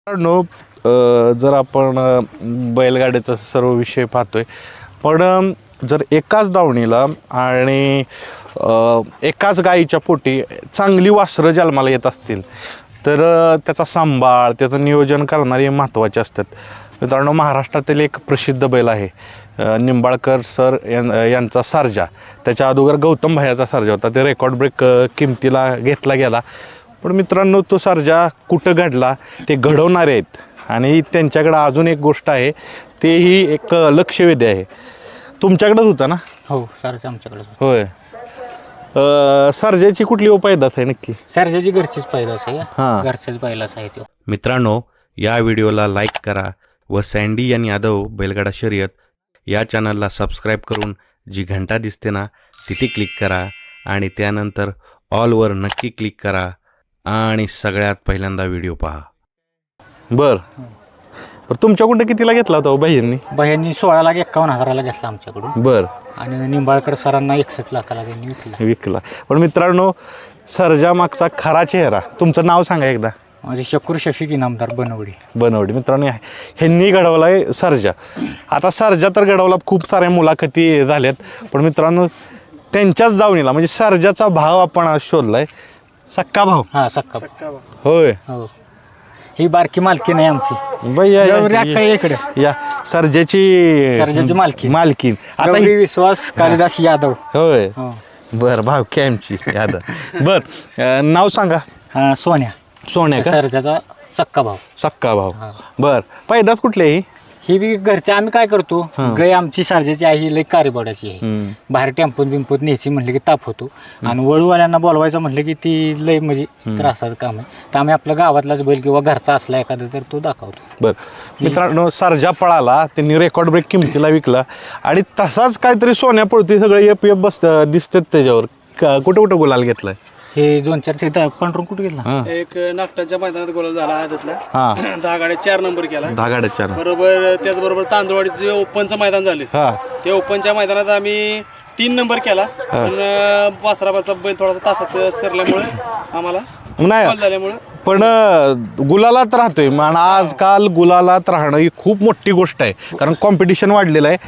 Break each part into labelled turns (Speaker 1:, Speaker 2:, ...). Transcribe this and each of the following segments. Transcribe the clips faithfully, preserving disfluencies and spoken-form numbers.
Speaker 1: No जर आपण बैलगाड्याचा सर्व विषय पाहतोय, पण जर एकाच दावणीला आणि एकाच गाईच्या पोटी चांगली वासरं जन्माला येत असतील तर त्याचा सांभाळ, त्याचं नियोजन करणारे महत्त्वाचे असतात. मित्रांनो, महाराष्ट्रातील एक प्रसिद्ध बैल आहे निंबाळकर सर यांचा सर्जा. त्याच्या अगोदर गौतम भैयाचा सर्जा होता, ते रेकॉर्ड ब्रेक किमतीला घेतला गेला. पण मित्रांनो, तो सर्जा कुठं घडला ते घडवणारे आहेत आणि त्यांच्याकडं अजून एक गोष्ट आहे, तेही एक लक्षवेधी आहे. तुमच्याकडेच होता ना?
Speaker 2: हो, सर्जा आमच्याकडे.
Speaker 1: होय. सर्जाची कुठली उपायदात आहे नक्की?
Speaker 2: सर्जाची घरचीच पैदास आहे.
Speaker 1: हां,
Speaker 2: घरच्याच बैलाच आहे तो.
Speaker 3: मित्रांनो, या व्हिडिओला लाईक करा व सँडी आणि यादव बैलगाडा शर्यत या चॅनलला सबस्क्राईब करून जी घंटा दिसते ना तिथे क्लिक करा आणि त्यानंतर ऑलवर नक्की क्लिक करा आणि सगळ्यात पहिल्यांदा व्हिडिओ पहा.
Speaker 1: बर बर तुमच्याकडून कितीला घेतला होता भाईंनी?
Speaker 2: बाह्यांनी सोळा लाख एक्कावन्न हजाराला घेतला आमच्याकडून.
Speaker 1: बर.
Speaker 2: आणि निंबाळकर सरांना एकसष्ट लाखाला त्यांनी विकला
Speaker 1: विकला. पण मित्रांनो, सर्जा मागचा खरा चेहरा, तुमचं नाव सांगा एकदा.
Speaker 2: म्हणजे शकूर शफीक इनामदार बनवडी.
Speaker 1: बनवडी. मित्रांनो, ह्यांनी घडवलाय सर्जा. आता सर्जा तर घडवला, खूप साऱ्या मुलाखती झाल्यात, पण मित्रांनो त्यांच्याच जावणीला म्हणजे सर्जाचा भाव आपण आज शोधलाय, सक्का भाव.
Speaker 2: हा, सक्का.
Speaker 1: होय.
Speaker 2: हो, ही बारकी मालकी नाही आमची.
Speaker 1: भैया
Speaker 2: इकडे
Speaker 1: या सर्जाची
Speaker 2: सर्जाची मालकी
Speaker 1: मालकी आता
Speaker 2: गौरी विश्वास कालिदास यादव.
Speaker 1: होय.
Speaker 2: हो.
Speaker 1: बर, भाव कॅमची यादव. बर, नाव सांगा.
Speaker 2: हा, सोन्या.
Speaker 1: सोन्या का?
Speaker 2: सर्जाचा सक्का भाव.
Speaker 1: सक्का भाव.
Speaker 2: हा.
Speaker 1: बर, पैदास कुठले ही?
Speaker 2: ही बी घरच्या. आम्ही काय करतो,
Speaker 1: हा.
Speaker 2: गाय आमची सर्जाची आहे, ही लई कारेबोड्याची आहे.
Speaker 1: हम्म.
Speaker 2: बाहेर टेम्पोत बिंपोत न्यायची म्हटलं की ताप होतो, आणि वळूवाल्यांना बोलवायचं म्हटलं की ती लई म्हणजे त्रासाचं काम आहे. तर आम्ही आपल्या गावातलाच बैल किंवा घरचा असला एखादा तर तो दाखवतो.
Speaker 1: बर मित्रांनो, सर्जा पळाला, त्यांनी रेकॉर्ड ब्रेक किमतीला विकला आणि तसाच काहीतरी सोन्या पळती, सगळे एफ एफ बस दिसतात त्याच्यावर. कुठं कुठं गुलाल घेतलाय?
Speaker 2: हे दोन चार ते पंढरून कुठे गेला?
Speaker 1: हा.
Speaker 4: एक नागटाच्या मैदानात गोल झाला आदतला.
Speaker 1: हा.
Speaker 4: दहा गाड्या चार नंबर केला.
Speaker 1: दहा गाड्या चार.
Speaker 4: बरोबर. त्याचबरोबर तांदूळवाडीचं जे ओपनचं मैदान झालं,
Speaker 1: हा.
Speaker 4: त्या ओपनच्या मैदानात आम्ही तीन नंबर केला. पण वासराबाचा बैल थोडासा तासात सरल्यामुळे आम्हाला
Speaker 1: नाही
Speaker 4: बॉल झाल्यामुळे.
Speaker 1: पण गुलालात राहतोय. आणि आजकाल गुलालात राहणं ही खूप मोठी गोष्ट आहे, कारण कॉम्पिटिशन वाढलेलं आहे.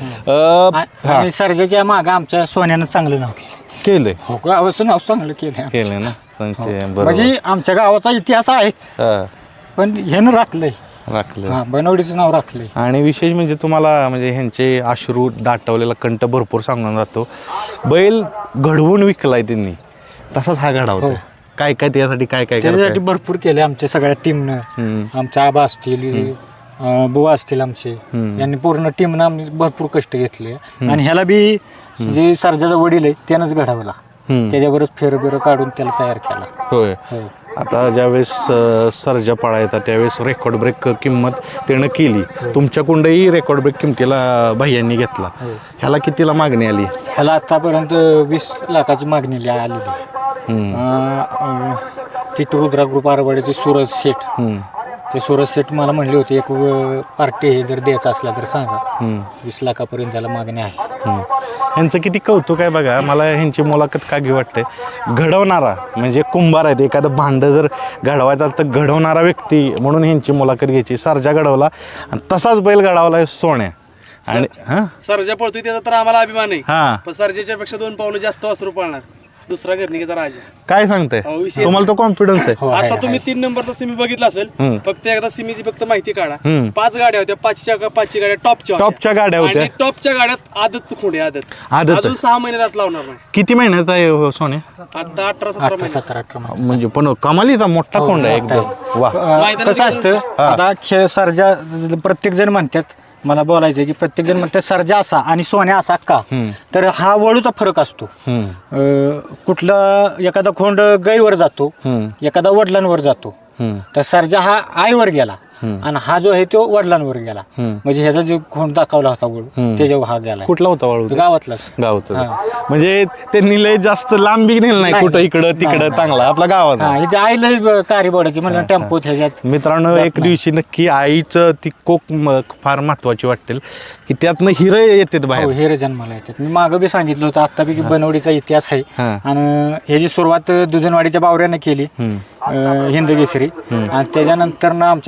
Speaker 2: आ- आणि सर्जाच्या मागं आमच्या सोन्यानं चांगलं नाव केलं.
Speaker 1: केलंय
Speaker 2: हो, गावाचं नाव चांगलं केलं.
Speaker 1: केलंय ना त्यांचे. बरोबर.
Speaker 2: म्हणजे आमच्या गावाचा इतिहास आहेच,
Speaker 1: हा,
Speaker 2: पण ह्यानं राखलंय.
Speaker 1: राखलंय.
Speaker 2: हा, बनवडीचं नाव राखलंय.
Speaker 1: आणि विशेष म्हणजे तुम्हाला म्हणजे ह्यांचे अश्रू दाटवलेला कंठ भरपूर सांगून जातो. बैल घडवून विकलाय त्यांनी, तसाच हा घडावतो.
Speaker 2: हो.
Speaker 1: काय काय त्यासाठी काय काय
Speaker 2: त्याच्यासाठी
Speaker 1: करताय?
Speaker 2: भरपूर केले आमच्या सगळ्या टीमनं.
Speaker 1: हम्म,
Speaker 2: आमच्या आबा असतील, अं, बुवा असतील आमचे,
Speaker 1: हम्म.
Speaker 2: यांनी पूर्ण टीमनं आम्ही भरपूर कष्ट घेतले. आणि ह्याला बी जे सर्जाचा वडील आहे त्यानंच घडवला.
Speaker 1: हम्म.
Speaker 2: त्याच्यावरच फेर बिर काढून त्याला तयार केला.
Speaker 1: होय.
Speaker 2: हो.
Speaker 1: आता ज्यावेळेस अ, सर्जा पळा येतात त्यावेळेस रेकॉर्ड ब्रेक किंमत त्यानं केली. तुमच्याकडूनही रेकॉर्ड ब्रेक किमतीला भैयांनी घेतला.
Speaker 2: हो.
Speaker 1: ह्याला कितीला मागणी आली?
Speaker 2: ह्याला आतापर्यंत वीस लाखाची मागणी आलेली आहे.
Speaker 1: हम्म,
Speaker 2: अं, अं, तिथं रुद्रा ग्रुप आरवाड्याचे सूरज शेठ,
Speaker 1: हम्म,
Speaker 2: ते सूरज शेठ मला म्हणले होते एक पार्टी हे जर द्यायचा असला तर सांगा.
Speaker 1: हम्म,
Speaker 2: वीस लाखापर्यंत त्याला मागणी आहे.
Speaker 1: हम्म. ह्यांचं किती कौतुक आहे बघा. मला ह्यांची मुलाखत का घेऊ वाटते, घडवणारा म्हणजे कुंभार आहेत. एखादं भांडं जर घडवायचं तर घडवणारा व्यक्ती म्हणून ह्यांची मुलाखत घ्यायची. सर्जा घडवला आणि तसाच बैल घडवला सोन्या. आणि हा
Speaker 4: सर्जा पळतोय त्याचा तर आम्हाला अभिमान आहे.
Speaker 1: हा
Speaker 4: पण सर्जाच्या पेक्षा दोन पावलं जास्त वासरू पळणार. दुसरा घरनिकेचा राजा.
Speaker 1: काय सांगताय?
Speaker 4: हो, विशेष.
Speaker 1: तुम्हाला तो कॉन्फिडन्स आहे?
Speaker 2: हो, आहे,
Speaker 4: आता तुम्ही
Speaker 2: आहे.
Speaker 4: तीन नंबरचा सिमी बघितला असेल.
Speaker 1: हम्म.
Speaker 4: फक्त एकदा सिमीची फक्त माहिती काढा.
Speaker 1: हम्म.
Speaker 4: पाच गाड्या होत्या, पाचच्या पाचची गाड्या टॉपच्या होत्या.
Speaker 1: टॉपच्या गाड्या होत्या.
Speaker 4: आणि टॉपच्या गाड्यात आदत खोंडे आदत
Speaker 1: आदत.
Speaker 4: अजून सहा महिन्यात लावणार नाही.
Speaker 1: किती महिन्यात आहे हो सोन्या?
Speaker 4: आता अठरा सतरा
Speaker 2: अठरा
Speaker 4: महिन्यात.
Speaker 2: सतरा अठरा महिने.
Speaker 1: म्हणजे पण कमालीचा मोठा
Speaker 2: हो,
Speaker 1: कोंड आहे
Speaker 2: मोठा
Speaker 1: एकदम. वा.
Speaker 2: अं,
Speaker 4: मैदानात
Speaker 2: कसं असतं,
Speaker 1: हा.
Speaker 2: आता खेळ सर्जा प्रत्येक जण म्हणतात, मला बोलायचं की प्रत्येक जण म्हणतात सर्जा असा आणि सोन्या असा का,
Speaker 1: हम्म,
Speaker 2: तर हा वळूचा फरक असतो.
Speaker 1: हम्म,
Speaker 2: अं, कुठला एखादा खोंड गाईवर जातो,
Speaker 1: हम्म,
Speaker 2: एखादा वडिलांवर जातो.
Speaker 1: हम्म,
Speaker 2: तर सर्जा हा आईवर गेला
Speaker 1: हम्म,
Speaker 2: आणि हा जो आहे तो वडिलांवर गेला.
Speaker 1: हम्म.
Speaker 2: म्हणजे ह्याचा जो खोंड दाखवला होता वळू,
Speaker 1: हम्म.
Speaker 2: त्याच्यावर हा गेला.
Speaker 1: कुठला होता वाळू?
Speaker 2: गावातलाच.
Speaker 1: गावचं.
Speaker 2: हा.
Speaker 1: म्हणजे त्यांनी लय जास्त लांबी नेलं नाही,
Speaker 2: नाही,
Speaker 1: कुठं इकडं
Speaker 2: नाही,
Speaker 1: तिकडं,
Speaker 2: नाही.
Speaker 1: चांगला आपला गावात.
Speaker 2: हा, हिची आई लय कारीबोडाची म्हणलं टेम्पोत ह्याच्यात.
Speaker 1: मित्रांनो,
Speaker 2: जात
Speaker 1: एक
Speaker 2: नाही.
Speaker 1: दिवशी नक्की आईचं ती कोक म- फार महत्वाची वाटेल की त्यातनं हिरे येतात
Speaker 2: हो,
Speaker 1: बाहेर.
Speaker 2: हे जन्माला येतात. मी मागं बी सांगितलं होतं आत्तापैकी बनवडीचा इतिहास आहे.
Speaker 1: हा.
Speaker 2: आणि ह्याची सुरुवात दुधनवाडीच्या बावऱ्यानं केली,
Speaker 1: हम्म,
Speaker 2: अं, हिंदकेसरी. आणि त्याच्यानंतर ना आमच्या इकडे सर्जा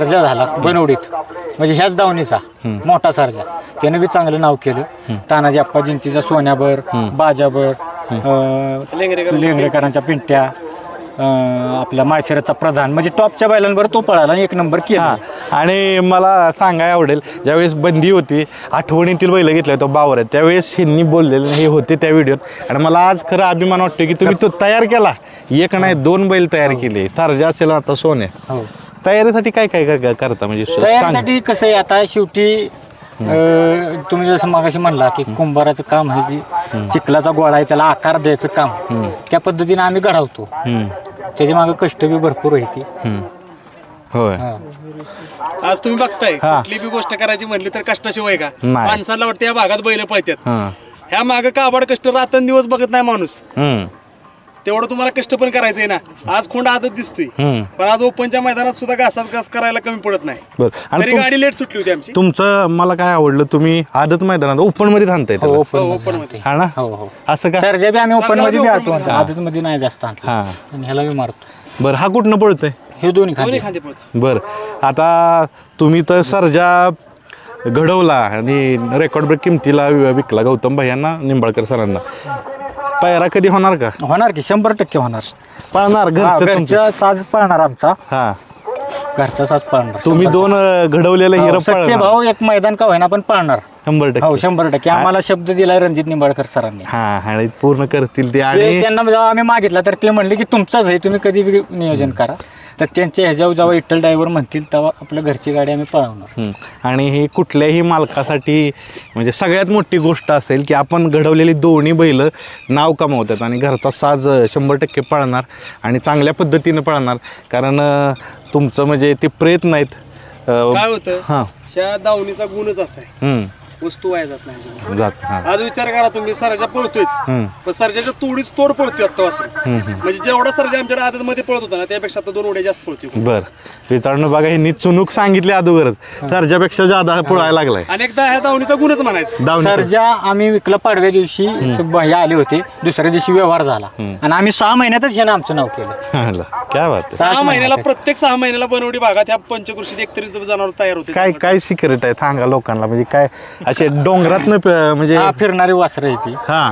Speaker 2: सर्जा झाला बनवडीत, म्हणजे ह्याच दावणीचा मोठा सर्जा, त्याने बी चांगलं नाव केलं. तानाजी आप्पा जिंतीचा सोन्याबर, बाजाबर, अं,
Speaker 4: लेंगरेकर-
Speaker 2: लेंगरेकरांच्या पिंट्या, अं, आपल्या माळशिरसचा प्रधान, म्हणजे टॉपच्या बैलांवर तो पळाला आणि एक नंबर केला.
Speaker 1: हां आणि मला सांगायला आवडेल ज्यावेळेस बंदी होती आठवणीतील बैल घेतले होते बावर आहेत त्यावेळेस ह्यांनी बोललेले हे होते त्या व्हिडिओत आणि मला आज खरं अभिमान वाटतो की तुम्ही तो तयार केला, एक नाही दोन बैल तयार केले, सारजा असेल आता सोने.
Speaker 2: हो,
Speaker 1: तयारीसाठी काय काय काय- काय करता म्हणजे सांग.
Speaker 2: तयारीसाठी कसं आहे आता शेवटी अं, तुम्ही जसं मागाशी म्हणला की कुंभाराचं काम आहे की चिखलाचा गोळा आहे त्याला आकार द्यायचं काम,
Speaker 1: हम्म.
Speaker 2: त्या पद्धतीने आम्ही घडवतो.
Speaker 1: हम्म.
Speaker 2: त्याच्या मागे कष्ट बी भरपूर आहे ती.
Speaker 1: हम्म. होय.
Speaker 4: आज तुम्ही बघताय
Speaker 1: हा.
Speaker 4: कुठली बी गोष्ट करायची म्हणली तर कष्टाशिवाय का
Speaker 1: नाही.
Speaker 4: माणसाला वाटतं या भागात बैल पळतात,
Speaker 1: हां.
Speaker 4: ह्या मागं काबाड कष्ट रात्रंदिवस बघत नाही माणूस.
Speaker 1: हम्म.
Speaker 4: तेवढं तुम्हाला कष्ट पण करायचंय ना. आज खोंड आदत दिसतोय,
Speaker 1: हम्म.
Speaker 4: पण आज ओपनच्या मैदानात सुद्धा घासात घास करायला कमी पडत नाही.
Speaker 1: बरं आणि
Speaker 4: तरी
Speaker 1: तुम-
Speaker 4: गाडी लेट सुटली होती आमची.
Speaker 1: तुमचं मला काय आवडलं तुम्ही आदत मैदानात ओपन मध्ये थांबताय
Speaker 2: हो,
Speaker 1: त्याला.
Speaker 2: ओपन
Speaker 4: हो,
Speaker 2: मध्ये
Speaker 4: ओपन
Speaker 2: आणते.
Speaker 1: हा ना
Speaker 2: हो हो
Speaker 1: असं का?
Speaker 2: सरजा बी आम्ही ओपन
Speaker 4: सरजाला
Speaker 2: मध्ये
Speaker 4: बी
Speaker 2: बी
Speaker 4: open
Speaker 2: आणतो,
Speaker 4: मध्ये.
Speaker 2: आदत मध्ये नाही जास्त आणतो
Speaker 1: हा.
Speaker 2: आणि ह्याला बी मारतो.
Speaker 1: बरं हा कुठनं पळतोय?
Speaker 2: हे दोन्ही
Speaker 4: दोन्ही
Speaker 2: खाली
Speaker 4: खांदे पळतो.
Speaker 1: बरं आता तुम्ही तर सर्जा घडवला आणि रेकॉर्ड ब्रेक किमतीला विकला गौतम भैयांना निंबाळकर सरांना. पायरा कधी होणार का?
Speaker 2: होणार की शंभर टक्के होणार.
Speaker 1: पळणार
Speaker 2: हा,
Speaker 1: घरचं तुमचं?
Speaker 2: घरचा साज पळणार आमचा,
Speaker 1: हा
Speaker 2: घरचा साज पळणार.
Speaker 1: तुम्ही दोन अं, घडवलेलं हिरं
Speaker 2: हो, सत्य
Speaker 1: पळणार
Speaker 2: भाऊ एक मैदान का होईना पण पळणार.
Speaker 1: शंभर
Speaker 2: हो
Speaker 1: टक्के.
Speaker 2: शंभर टक्के आम्हाला शब्द दिलाय रणजित निंबाळकर सरांनी.
Speaker 1: हा आणि पूर्ण करतील ते
Speaker 2: ते
Speaker 1: आणि
Speaker 2: त्यांना जेव्हा आम्ही मागितला तर ते म्हणले की तुमचाच आहे, तुम्ही कधी बी नियोजन करा. तर त्यांच्या ह्याच्यावर जेव्हा विठ्ठल ड्रायव्हर म्हणतील तेव्हा आपल्या घरची गाडी आम्ही पळवणार.
Speaker 1: हं. आणि ही कुठल्याही मालकासाठी म्हणजे सगळ्यात मोठी गोष्ट असेल की आपण घडवलेली दोन्ही बैल नाव कमावतात आणि घरचा साज शंभर टक्के पळणार आणि चांगल्या पद्धतीनं पळणार कारण अं, तुमचं म्हणजे ते प्रयत्न आहेत अं,
Speaker 4: काय होतं
Speaker 1: हां
Speaker 4: त्या दावणीचा गुणच असा आहे,
Speaker 1: हं.
Speaker 4: वस्तू वाया जात नाही अजिबात.
Speaker 1: जात हां
Speaker 4: आज विचार करा तुम्ही सरजा पळतोयच,
Speaker 1: हं.
Speaker 4: पण सरजाच्या तोडीच तोड पळतोय आता वासरू.
Speaker 1: हं, हं.
Speaker 4: म्हणजे जेवढा सरजा आमच्याकडे आदत मध्ये पळत होता ना त्यापेक्षा आता दोन उड्या जास्त पळतोय.
Speaker 1: बर मित्रांनो बघा ह्यांनी चुनूक सांगितली अगोदरच सरजापेक्षा जादा पळायला लागलाय
Speaker 4: अनेकदा ह्या दावणीचा गुणच म्हणायचं.
Speaker 1: दावणी
Speaker 2: सरजा आम्ही विकला पाडव्या दिवशी हे आले होते, दुसऱ्या दिवशी व्यवहार झाला
Speaker 1: हम्म.
Speaker 2: आणि आम्ही सहा महिन्यातच ह्यानं आमचं नाव केलं.
Speaker 1: हाला, क्या बात आहे.
Speaker 4: सहा
Speaker 2: सात
Speaker 4: महिन्याला
Speaker 2: महिन्यात.
Speaker 4: प्रत्येक सहा महिन्याला बनवडी भागात ह्या पंचकृषीत एकतरी जनावर तयार होते.
Speaker 1: काय काय सिक्रेट आहे सांगा लोकांना म्हणजे काय असे डोंगरात म्हणजे
Speaker 2: हा फिरणारी वासरं आहे ती.
Speaker 1: हा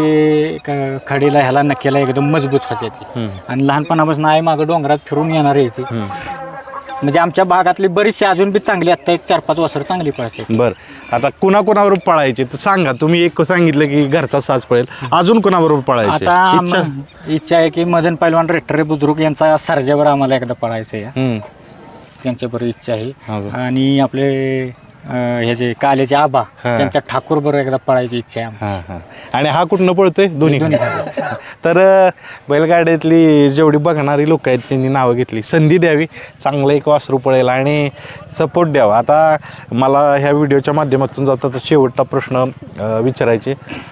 Speaker 2: ते क- खडीला ह्याला नक्कीला एकदम मजबूत होते ती
Speaker 1: हम्म.
Speaker 2: आणि लहानपणापासून आई मागं डोंगरात फिरून येणार आहे ती.
Speaker 1: हम्म.
Speaker 2: म्हणजे आमच्या भागातली बरीचशी अजून बी चांगली आता एक चार पाच वासरं चांगली पळते.
Speaker 1: बर आता कुणा कुणाबरोबर पळायचे तर सांगा तुम्ही एक सांगितलं की घरचा साज पळेल अजून कुणाबरोबर पळायचे
Speaker 2: आता
Speaker 1: इच्छा?
Speaker 2: आम- इच्छा आहे की मदन पैलवान रेट्टरे बुद्रुक यांचा सर्जावर आम्हाला एकदा पळायचं आहे.
Speaker 1: हम्म.
Speaker 2: त्यांच्याबरोबर इच्छा आहे
Speaker 1: अजून?
Speaker 2: आणि आपले अं, ह्याचे कालेचे आबा
Speaker 1: हा.
Speaker 2: त्यांच्या ठाकूर बरोबर एकदा पळायची इच्छा आहे आम्हाला.
Speaker 1: हा हा आणि हा कुठनं पळतोय दोन्ही
Speaker 2: दोन्ही
Speaker 1: तर अं, बैलगाड्यातली जेवढी बघणारी लोक आहेत त्यांनी नावं घेतली संधी द्यावी चांगलं एक वासरू पळेल आणि सपोर्ट द्यावा. आता मला ह्या व्हिडिओच्या माध्यमातून जाता शेवटचा प्रश्न अं, विचारायचे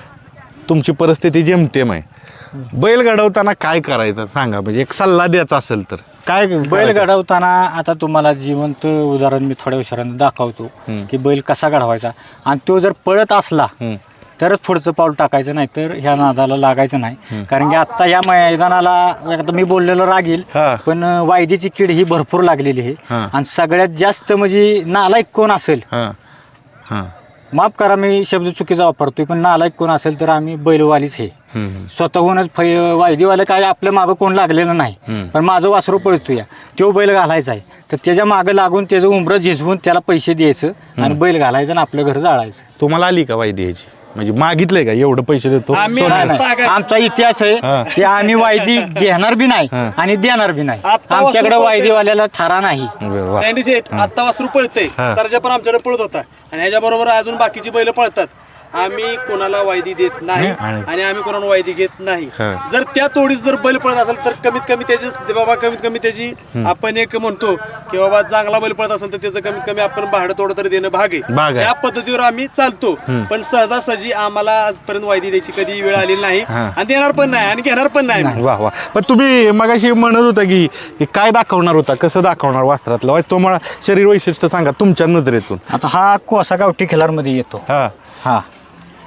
Speaker 1: तुमची परिस्थिती जेमतेम आहे बैल घडवताना काय करायचं सांगा म्हणजे एक सल्ला द्यायचा असेल तर काय
Speaker 2: बैल
Speaker 1: करायचं?
Speaker 2: घडवताना आता तुम्हाला जिवंत उदाहरण मी थोड्या विचारानं दाखवतो
Speaker 1: हम्म.
Speaker 2: की बैल कसा घडवायचा आणि तो जर पळत असला
Speaker 1: हम्म.
Speaker 2: तरच पुढचं पाऊल टाकायचं नाही तर ह्या नादाला लागायचं नाही.
Speaker 1: हम्म.
Speaker 2: कारण की आत्ता या मैदानाला एकदा मी बोललेलं रागील
Speaker 1: हा.
Speaker 2: पण वायदीची कीड ही भरपूर लागलेली आहे
Speaker 1: हा.
Speaker 2: आणि सगळ्यात जास्त म्हणजे नालायक कोण असेल
Speaker 1: हा हा
Speaker 2: माफ करा मी शब्द चुकीचा वापरतोय पण नालायक कोण असेल तर आम्ही बैलवालीच हे
Speaker 1: हम्म.
Speaker 2: स्वतःहूनच फै वायदीवाले काय आपल्या मागं कोण लागलेलं नाही
Speaker 1: हम्म.
Speaker 2: पण माझं वासरू पळतोय तो बैल घालायचा आहे तर त्याच्या मागं लागून त्याचं उमरं झिजवून त्याला पैसे द्यायचं आणि बैल घालायचं आणि आपलं घर जाळायचं.
Speaker 1: तुम्हाला आली का वायदी ह्याची म्हणजे मागितलंय का एवढं पैसे देतो
Speaker 4: आम्ही
Speaker 1: सोनं-
Speaker 2: नाही, नाही.
Speaker 4: तागायत.
Speaker 2: आमचा इतिहास
Speaker 1: हा.
Speaker 2: आहे की आम्ही वायदी घेणार बी नाही
Speaker 1: हा.
Speaker 2: आणि देणार बी नाही.
Speaker 4: आता
Speaker 2: आमच्याकडे
Speaker 4: वासरू
Speaker 2: वायदीवाल्याला थारा नाही.
Speaker 1: बरं, वा.
Speaker 4: सँडी सेट आता वासरू पळतंय,
Speaker 1: हा.
Speaker 4: सरजा पण आमच्याकडे पळत होता आणि ह्याच्या बरोबर अजून बाकीची बैल पळतात. आम्ही कोणाला वायदी देत नाही
Speaker 1: आणि-
Speaker 4: आणि आम्ही कोणाला वायदी घेत नाही.
Speaker 1: हा.
Speaker 4: जर त्या तोडीस जर बैल पळत असेल तर कमीत कमी त्याची बाबा कमीत कमी त्याची आपण एक म्हणतो की बाबा चांगला बैल पळत असेल तर त्याचं कमीत कमी आपण भाडं तोडं तरी देणं भाग
Speaker 1: भाग
Speaker 4: आहे.
Speaker 1: आहे.
Speaker 4: या पद्धतीवर आम्ही चालतो. पण सहजासहजी आम्हाला आजपर्यंत वायदी द्यायची कधी वेळ आलेली नाही
Speaker 1: हा.
Speaker 4: आणि देणार पण नाही आणि घेणार पण नाही आम्ही.
Speaker 1: वा वा पण तुम्ही मगाशी म्हणत होता की की काय दाखवणार होता कसं दाखवणार वास्त्रातलं वाय तुम्हाला शरीर वैशिष्ट्य सांगा तुमच्या नजरेतून.
Speaker 2: आता हा कोसा गावठी खिलारमध्ये येतो.
Speaker 1: हा
Speaker 2: हा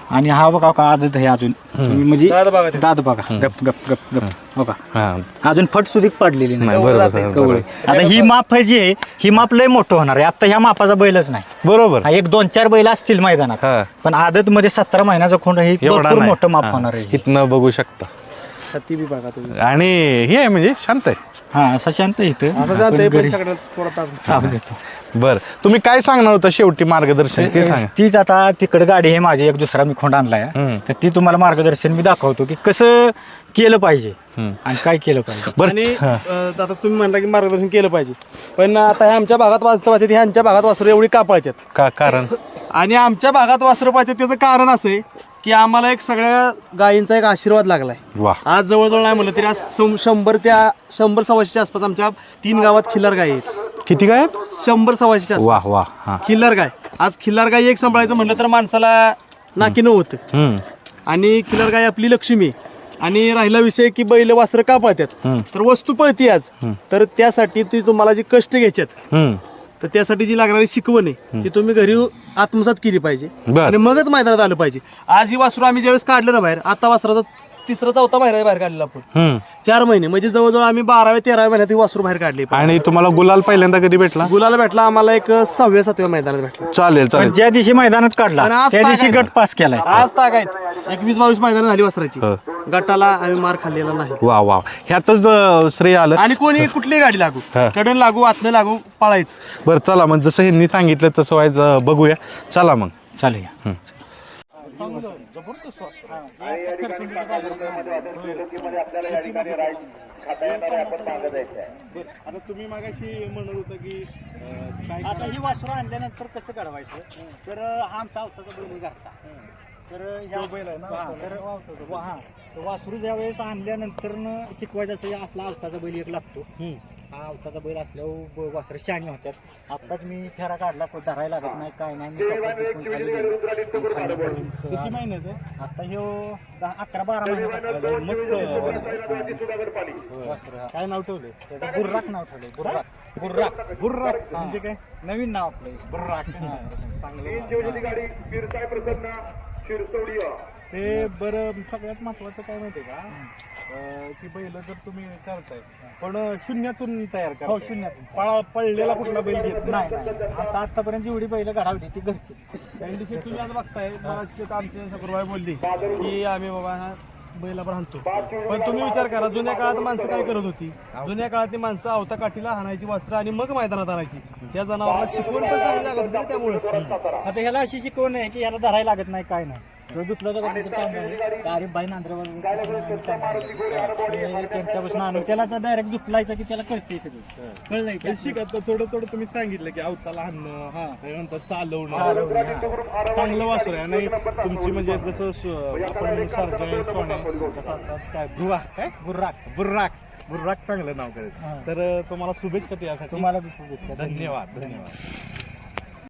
Speaker 2: आणि हा बघा का आदत आहे अजून म्हणजे
Speaker 4: दाद बघा ते.
Speaker 2: दाद बघा गप गप गप गप बघा
Speaker 1: हा
Speaker 2: अजून फट सुधी पडलेली
Speaker 1: नाही
Speaker 2: नाही
Speaker 1: बरोबर
Speaker 4: जाते,
Speaker 1: बरोबर.
Speaker 2: कवळे. आता ही माप आहे जी आहे ही माप लय मोठं होणार आहे. आता ह्या मापाचा बैलच नाही.
Speaker 1: बरोबर
Speaker 2: हा, एक दोन चार बैल असतील मैदानात
Speaker 1: हा
Speaker 2: पण आदत मध्ये सतरा महिन्याचा खोंड हे
Speaker 1: एवढा
Speaker 2: भरपूर
Speaker 1: नाही.
Speaker 2: मोठं माप
Speaker 1: हा.
Speaker 2: होणार आहे.
Speaker 1: इथनं बघू शकता
Speaker 4: ती बी बघा तुम्ही
Speaker 1: आणि हे आहे म्हणजे शांत आहे.
Speaker 2: हा असं शांत आहे इथं
Speaker 4: असं
Speaker 2: आपण
Speaker 4: जाते
Speaker 2: घरी
Speaker 4: पंचाकडे थोडा ताप
Speaker 2: ताप देतो.
Speaker 1: बर तुम्ही काय सांगणार होता शेवटी मार्गदर्शन ते सांगा.
Speaker 2: तीच आता तिकडे गाडी आहे माझी एक दुसरा मी खोंड आणलाय
Speaker 1: हम्म.
Speaker 2: तर ती तुम्हाला मार्गदर्शन मी दाखवतो की कसं केलं पाहिजे
Speaker 1: हम्म.
Speaker 2: आणि काय केलं पाहिजे.
Speaker 1: बर
Speaker 4: आणि अं, आता तुम्ही म्हणला की मार्गदर्शन केलं पाहिजे पण आता हे आमच्या भागात वाचतं पाहिजे ह्यांच्या भागात वासरं एवढी का पाळतात
Speaker 1: का कारण
Speaker 4: आणि आमच्या भागात वासरं पाहिजे त्याचं कारण असं आहे की आम्हाला एक सगळ्या गायींचा एक आशीर्वाद लागलाय.
Speaker 1: वा
Speaker 4: आज जवळजवळ नाही म्हणलं तरी आज शं- शंभर त्या शंभर सव्वाशेच्या आसपास आमच्या तीन गावात खिल्लार गाय आहेत.
Speaker 1: किती काय आहेत?
Speaker 4: शंभर सव्वाशेच्या
Speaker 1: वा
Speaker 4: आसपास
Speaker 1: वा हा
Speaker 4: खिल्लार गाय. आज खिल्लार गाय एक सांभाळायचं म्हणलं तर माणसाला नाकीनं होतं
Speaker 1: हम्म
Speaker 4: आणि खिल्लार गाय आपली लक्ष्मी आहे. आणि राहिला विषय की बैल वासरं का पाळतात
Speaker 1: हम्म.
Speaker 4: तर वस्तू पळती आज
Speaker 1: हम्म.
Speaker 4: तर त्यासाठी ती तुम्हाला जी कष्ट घ्यायच्यात
Speaker 1: हम्म
Speaker 4: तर त्यासाठी जी लागणारी शिकवण आहे ती तुम्ही घरी आत्मसात केली पाहिजे
Speaker 1: बर
Speaker 4: आणि मगच मैदानात आलं पाहिजे. आज ही वासरू आम्ही ज्यावेळेस काढलं ना बाहेर आता वासराचा तिसरा चौथा बाहेर बाहेर काढलेला आपण
Speaker 1: हम्म
Speaker 4: चार महिने म्हणजे जवळजवळ आम्ही बाराव्या तेराव्या महिन्यात ही वासरू बाहेर काढली.
Speaker 1: आणि तुम्हाला गुलाल पहिल्यांदा कधी भेटला?
Speaker 4: गुलाला भेटला आम्हाला एक सहाव्या सातव्या मैदानात भेटला.
Speaker 1: चालेल
Speaker 2: पण
Speaker 1: चालेल
Speaker 2: ज्या दिवशी मैदानात काढला
Speaker 4: आणि आज
Speaker 2: त्या दिवशी
Speaker 4: तागायत.
Speaker 2: गट पास केलाय.
Speaker 4: आज तागायत एकवीस बावीस मैदान झाली वासराची
Speaker 1: हो.
Speaker 4: गटाला आम्ही मार खाल्लेला नाही
Speaker 1: वा वा ह्यातच अं, श्रेय आलं.
Speaker 4: आणि कोणी कुठलीही गाडी लागू
Speaker 1: हा.
Speaker 4: कडन लागू आतनं लागू पळायचं.
Speaker 1: बरं चला मग जसं ह्यांनी सांगितलं तसं व्हायचं बघूया. चला मग
Speaker 2: चालेल
Speaker 1: हम्म. आता तुम्ही मागाशी म्हणत होता की
Speaker 2: आता ही वासरू आणल्यानंतर कसं काढवायचं तर हा आमचा आवताचा बैल घरचा तर ह्या बैल आहे ना तर हा तर वासरू ज्या वेळेस आणल्यानंतर शिकवायचं असं असला आवताचा बैल एक लागतो. हा आवताचा बैल असल्यावर वासरं शहाणी होत्यात. आत्ताच मी फेरा काढला पण धरायला लागत नाही काय नाही मी स्वतः जिंकून खाली गेलो. खाली पळून किती महिन्यात आहे आता ह्यो दहा अकरा बारा महिन्याचा असला मस्त वासर. काय नाव ठेवले त्याचं बुर्राक नाव ठेवलंय. बुर्राक बुर्राक बुर्राक म्हणजे काय नवीन नाव आपलं बुर्राक.
Speaker 5: ते बरं सगळ्यात महत्वाचं काय माहितीये का अं, की बैल जर तुम्ही करताय पण शून्यातून तयार करा.
Speaker 2: हो शून्यातून
Speaker 5: पळा पळलेला कुठला बैल घेत
Speaker 2: नाही नाही आता आतापर्यंत जेवढी बैल घडावली ती घरची.
Speaker 4: एनडीसी तुम्ही आज बघताय मगाशी एक आमचे शकुरबाई बोलली की आम्ही बाबा हा बैला पण हाणतो पण तुम्ही विचार करा जुन्या काळात माणसं काय करत होती. जुन्या काळातली माणसं आवता काठीला हाणायची वस्त्र आणि मग मैदानात आणायची. त्या जनावराला शिकवण पण चांगली लागत होती त्यामुळे.
Speaker 2: आता ह्याला अशी शिकवण आहे की ह्याला धरायला लागत नाही काय नाही. तो दुखलं तर गरीब बाई नांद्रावर त्यांच्यापासून आणून त्याला डायरेक्ट दुखलायचं की त्याला कळते सगळं कळलं
Speaker 5: हे शिकत थोडं थोडं तुम्ही सांगितलं की अवताला हाणणं त्यानंतर चालवणं चांगलं वासर आहे. आणि तुमची म्हणजे जसं सु- आपण सर्जय सोने तसं आता काय बुर्रा काय बुर्राक बुर्राक बुर्राक चांगलं नाव करेल. तर तुम्हाला शुभेच्छा त्यासाठी.
Speaker 2: तुम्हाला बी शुभेच्छा.
Speaker 5: धन्यवाद धन्यवाद.